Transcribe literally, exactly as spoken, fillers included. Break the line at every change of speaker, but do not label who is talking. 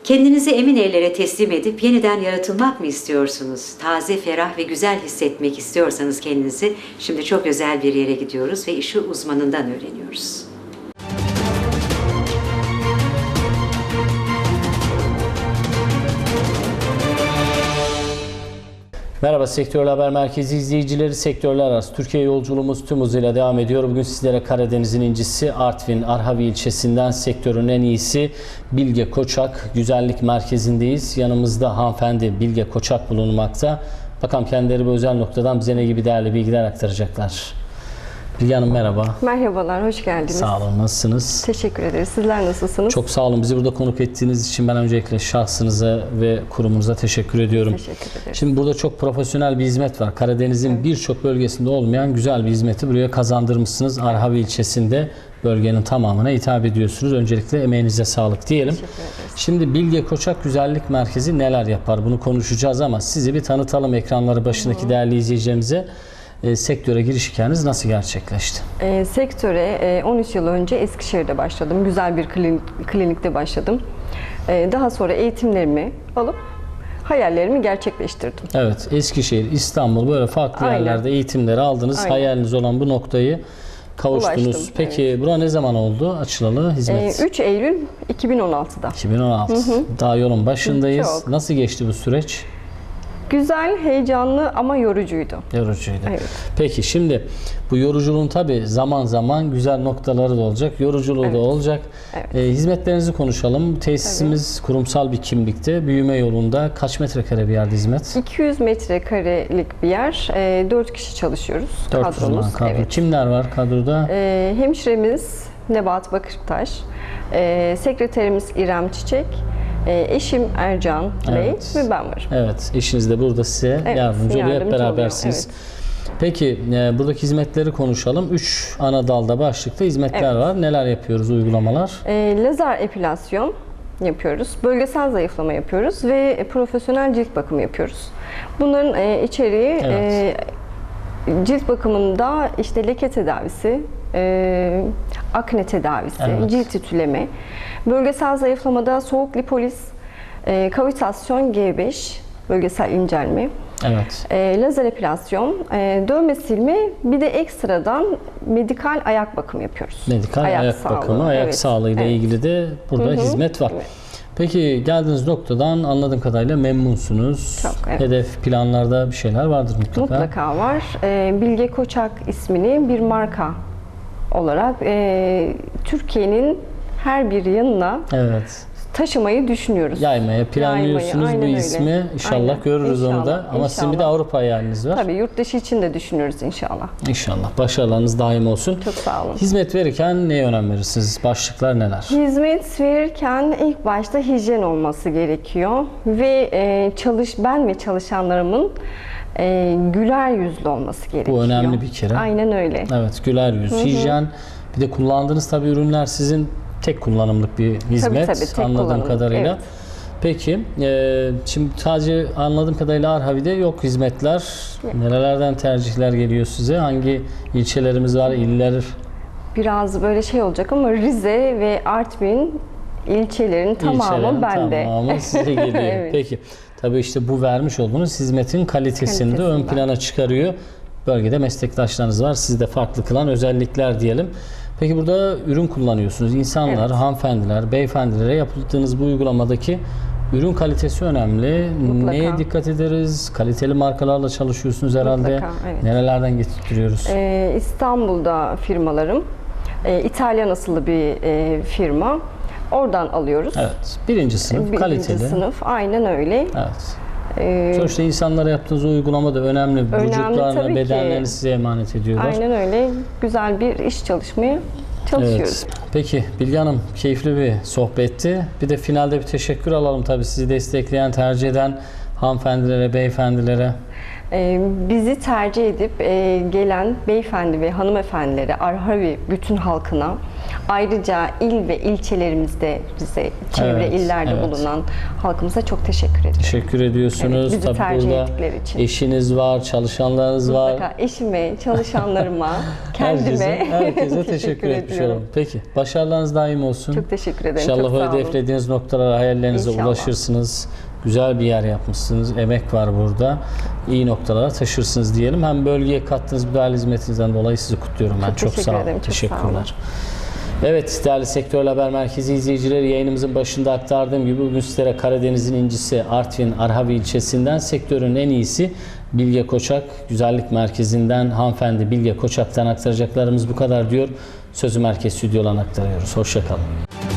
Kendinizi emin ellere teslim edip yeniden yaratılmak mı istiyorsunuz? Taze, ferah ve güzel hissetmek istiyorsanız kendinizi, şimdi çok özel bir yere gidiyoruz ve işi uzmanından öğreniyoruz.
Merhaba Sektörler Haber Merkezi izleyicileri, sektörler arası Türkiye yolculuğumuz tüm hızıyla devam ediyor. Bugün sizlere Karadeniz'in incisi Artvin Arhavi ilçesinden sektörün en iyisi Bilge Koçak Güzellik Merkezi'ndeyiz. Yanımızda hanımefendi Bilge Koçak bulunmakta. Bakalım kendileri bu özel noktadan bize ne gibi değerli bilgiler aktaracaklar. Bilge Hanım merhaba.
Merhabalar, hoş geldiniz.
Sağ olun, nasılsınız?
Teşekkür ederiz. Sizler nasılsınız?
Çok sağ olun. Bizi burada konuk ettiğiniz için ben öncelikle şahsınıza ve kurumunuza teşekkür ediyorum.
Teşekkür ederiz.
Şimdi burada çok profesyonel bir hizmet var. Karadeniz'in evet. birçok bölgesinde olmayan güzel bir hizmeti buraya kazandırmışsınız. Arhavi ilçesinde bölgenin tamamına hitap ediyorsunuz. Öncelikle emeğinize sağlık diyelim. Şimdi Bilge Koçak Güzellik Merkezi neler yapar? Bunu konuşacağız ama sizi bir tanıtalım ekranları başındaki Hı. değerli izleyicilerimize. E, sektöre giriş hikayeniz nasıl gerçekleşti?
E, sektöre e, on üç yıl önce Eskişehir'de başladım. Güzel bir klinik, klinikte başladım. E, daha sonra eğitimlerimi alıp hayallerimi gerçekleştirdim.
Evet, Eskişehir, İstanbul böyle farklı Aynen. yerlerde eğitimleri aldınız. Aynen. Hayaliniz olan bu noktayı kavuştunuz. Ulaştım, Peki evet. bura ne zaman oldu açılalı hizmet?
E, üç Eylül iki bin on altı'da.
iki bin on altı. Hı hı. Daha yolun başındayız. Çok. Nasıl geçti bu süreç?
Güzel, heyecanlı ama yorucuydu.
Yorucuydu.
Evet.
Peki şimdi bu yoruculuğun tabii zaman zaman güzel noktaları da olacak, yoruculuğu evet. da olacak. Evet. E, hizmetlerinizi konuşalım. Tesisimiz tabii. kurumsal bir kimlikte, büyüme yolunda. Kaç metrekare bir yerde hizmet?
iki yüz metrekarelik bir yer. E, dört kişi çalışıyoruz.
dört uzman kadro. Evet. Kimler var kadroda?
E, hemşiremiz Nebahat Bakırtaş, e, sekreterimiz İrem Çiçek, Eşim Ercan Bey evet. ve ben varım.
Evet, eşiniz de burada size evet, yardımcı oluyor, hep berabersiniz. Evet. Peki, e, buradaki hizmetleri konuşalım. Üç ana dalda, başlıkta hizmetler evet. var. Neler yapıyoruz, uygulamalar?
E, lazer epilasyon yapıyoruz, bölgesel zayıflama yapıyoruz ve profesyonel cilt bakımı yapıyoruz. Bunların e, içeriği evet. e, cilt bakımında işte leke tedavisi, e, akne tedavisi, evet. cilt titüleme, bölgesel zayıflamada soğuk lipoliz, e, kavitasyon G beş, bölgesel incelme,
evet.
e, lazer epilasyon, e, dövme silme, bir de ekstradan medikal ayak bakımı yapıyoruz.
Medikal ayak, ayak sağlığı. bakımı, ayak evet. sağlığı ile evet. ilgili de burada Hı-hı. hizmet var. Evet. Peki geldiğiniz noktadan anladığım kadarıyla memnunsunuz.
Çok, evet.
Hedef planlarda bir şeyler vardır mutlaka.
Mutlaka var. E, Bilge Koçak ismini bir marka olarak e, Türkiye'nin her bir yanına evet. taşımayı düşünüyoruz.
Yaymaya planlıyorsunuz Yaymayı, bu ismi. Öyle. İnşallah aynen. görürüz inşallah, onu da. Ama inşallah. Sizin bir de Avrupa hayaliniz var.
Tabii yurt dışı için de düşünüyoruz inşallah.
İnşallah. Başarılarınız daim olsun.
Çok sağ olun.
Hizmet verirken neye önem verirsiniz? Başlıklar neler?
Hizmet verirken ilk başta hijyen olması gerekiyor. Ve e, çalış ben ve çalışanlarımın e, güler yüzlü olması gerekiyor.
Bu önemli bir kere.
Aynen öyle.
Evet, güler yüz, Hı-hı. hijyen. Bir de kullandığınız tabii ürünler sizin tek kullanımlık bir hizmet tabii, tabii, tek anladığım kadarıyla. Evet. Peki, e, şimdi sadece anladığım kadarıyla Arhavi'de yok hizmetler. Evet. Nerelerden tercihler geliyor size? Hangi ilçelerimiz var, iller?
Biraz böyle şey olacak ama Rize ve Artvin ilçelerin tamamı İlçelerin bende.
Tamamı size geliyor. Evet. Peki, tabii işte bu vermiş olduğunuz hizmetin kalitesini de ön plana çıkarıyor. Bölgede meslektaşlarınız var. Sizi de farklı kılan özellikler diyelim. Peki burada ürün kullanıyorsunuz. İnsanlar, evet. hanımefendiler, beyefendilere yaptığınız bu uygulamadaki ürün kalitesi önemli. Mutlaka. Neye dikkat ederiz? Kaliteli markalarla çalışıyorsunuz herhalde.
Mutlaka, evet.
Nerelerden getiriyoruz?
Ee, İstanbul'da firmalarım. Ee, İtalyan asıllı bir e, firma. Oradan alıyoruz.
Evet. Birinci sınıf, Birinci kaliteli.
Birinci sınıf, aynen öyle.
Evet. Ee, Sonuçta insanlara yaptığınız uygulama da önemli. önemli Vücutlarını, bedenlerini size emanet ediyorlar.
Aynen öyle. Güzel bir iş çalışmaya çalışıyoruz. Evet.
Peki Bilge Hanım, keyifli bir sohbetti. Bir de finalde bir teşekkür alalım tabii sizi destekleyen, tercih eden hanımefendilere, beyefendilere?
Ee, Bizi tercih edip e, gelen beyefendi ve hanımefendilere, Arhavi bütün halkına, ayrıca il ve ilçelerimizde bize çevre
Evet,
illerde
evet.
bulunan halkımıza çok teşekkür ediyorum.
Teşekkür ediyorsunuz.
Evet, bizi
Tabii
tercih
burada
ettikleri için.
eşiniz var, çalışanlarınız var.
Mutlaka eşime, çalışanlarıma, kendime
Herkese, herkese teşekkür etmiş
ediyorum.
olalım. Peki, başarılarınız daim olsun.
Çok teşekkür ederim.
İnşallah
çok
o
sağ olun.
hedeflediğiniz noktalara, hayallerinize
İnşallah.
ulaşırsınız. Güzel bir yer yapmışsınız. Emek var burada. İyi noktalara taşırsınız diyelim. Hem bölgeye kattığınız bu değerli hizmetinizden dolayı sizi kutluyorum ben.
Çok
Çok,
teşekkür
sağ olun.
ederim, çok sağ olun.
Teşekkürler. Evet, değerli Sektörel Haber Merkezi izleyicileri, yayınımızın başında aktardığım gibi bugün sizlere Karadeniz'in incisi Artvin Arhavi ilçesinden sektörün en iyisi Bilge Koçak Güzellik Merkezi'nden hanımefendi Bilge Koçak'tan aktaracaklarımız bu kadar diyor. Sözü merkez stüdyolarına aktarıyoruz. Hoşça kalın.